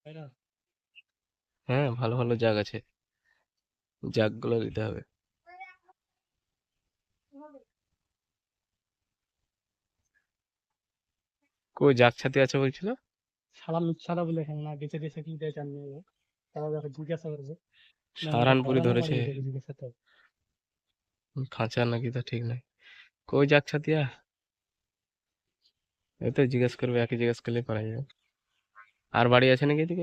হ্যাঁ, ভালো ভালো জাগ আছে, জাগগুলো দিতে হবে। কই জাগ ছাতি আছে বলছিল? সারা মিথ্যাটা বলে এখানে না বেঁচে দেশে কি দেয় জানি না। তারা যাকে জিজ্ঞাসা করেছে না আমাকে সাহারানপুরে ধরানো ধরেছে, বাড়ি থেকে জিজ্ঞাসা তো খাঁচা নাকি তা ঠিক নাই। কই জাগ ছাতিয়া? এই তো জিজ্ঞেস করবে, একই জিজ্ঞেস করলেই পারা যাবে। আর বাড়ি আছে নাকি এদিকে?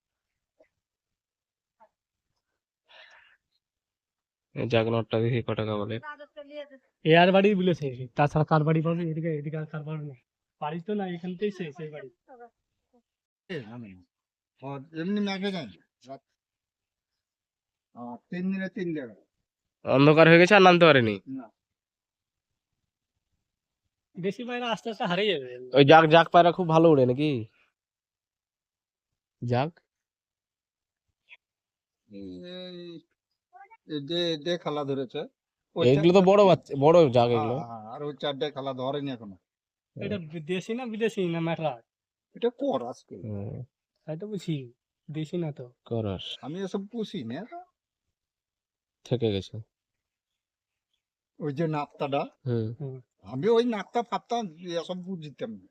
এই জাগ নটটা দেখি ক টাকা বলে। এর বাড়ি বলেছে তাছাড়া কার বাড়ি পাবে এদিকে এদিকে আর কার বাড়ি না বাড়ি তো না এখানতেই সেই বাড়ি এমনি মেঘে যায় রাত 3 দিনে 3 জায়গা অন্ধকার হয়ে গেছে আর নামতে পারেনি। না বেশি পায়রা আস্তে আস্তে হারিয়ে যাবে ওই জাগ জাগ পায়রা খুব ভালো উড়ে নাকি? জাগ এই যে খালা ধরেছে ওই এগুলো তো বড় বাচ্চা, বড় জাগ এগুলো। আর ওই 4টে খালা ধরেনি এখনো। এটা দেশি না বিদেশি না ম্যাটরা এটা কর আজকে তাই তো বুঝি দেশি না তো করস আমি এসব পুষি না। থেকে গেছে। ওই যে নাপ্তাটা হুম। আমি ওই নাপ্তা ফাপ্তা এসব বুঝতাম না।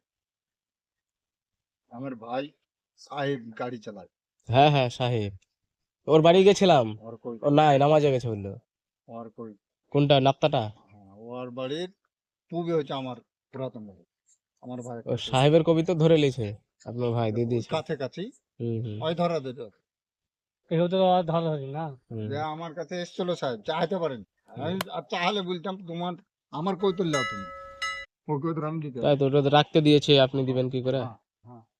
আমার ভাই সাহেব গাড়ি চালায়। হ্যাঁ হ্যাঁ, সাহেব, ওর বাড়ি গেছিলাম। ওর কই ও নাই, নামাজে গেছে বললো। ওর কই কোনটা, নাপ্তাটা? ওর বাড়ির পূবে হচ্ছে আমার পুরাতন বাড়ি। আমার ভাই ও সাহেবের কবি তো ধরে লিয়েছে, আপনার ভাই দিয়ে দিয়েছে। কাছে কাছেই হুম হুম ওই ধরা দিত এও তো ধরা ধরি না যে আমার কাছে এসেছিল সাহেব চাইতে পারেন। আমি আর চাহলে বলতাম তোমার আমার কই তুললাও তুমি ওই কই আমি দিতে তাই তো, ওটা তো রাখতে দিয়েছে, আপনি দিবেন কি করে? হ্যাঁ হ্যাঁ